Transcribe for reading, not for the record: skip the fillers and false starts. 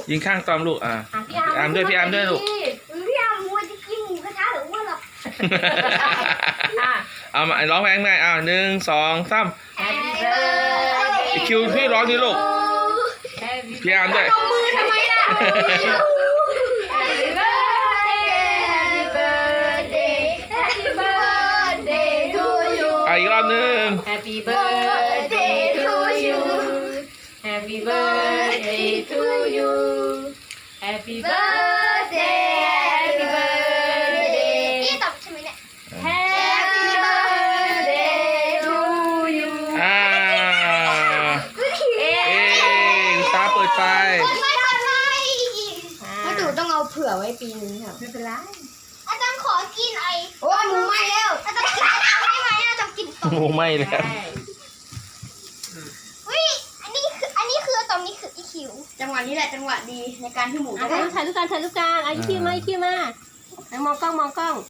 ยิงข้างตอมลูกพี่อาร์มด้วยพี่อาร์มด้วยลูกพี่อาร์มมัวจะกินหมูกระทะหรือว่าหรอเอามาร้องเพลงได้1 2 3 Happy birthday คิวพี่ร้องดิลูกพี่อาร์มด้วยมือทำไมล่ะ Happy birthday Happy birthday Happy birthday to you อีกรอบนึง Happy birthday to you Happy birthday to you Happy birthday Happy birthday นี่ตอบใช่ไหมเนี่ย Happy birthday to you ตาเปิดไฟไม่ดูต้องเอาเผื่อไว้ปีนึงครับไม่เป็นไรอาจารย์ขอกินโอ้ยหมูไหม้แล้วอาจารย์กินได้ไหมอาจารย์กินต่อโอ้ไม่แล้วอันนี้คือตอนนี้คืออีคิวจังหวะนี้แหละจังหวะดีในการที่หมูจะถ่ายรูปกันอีคิวมา มองกล้อง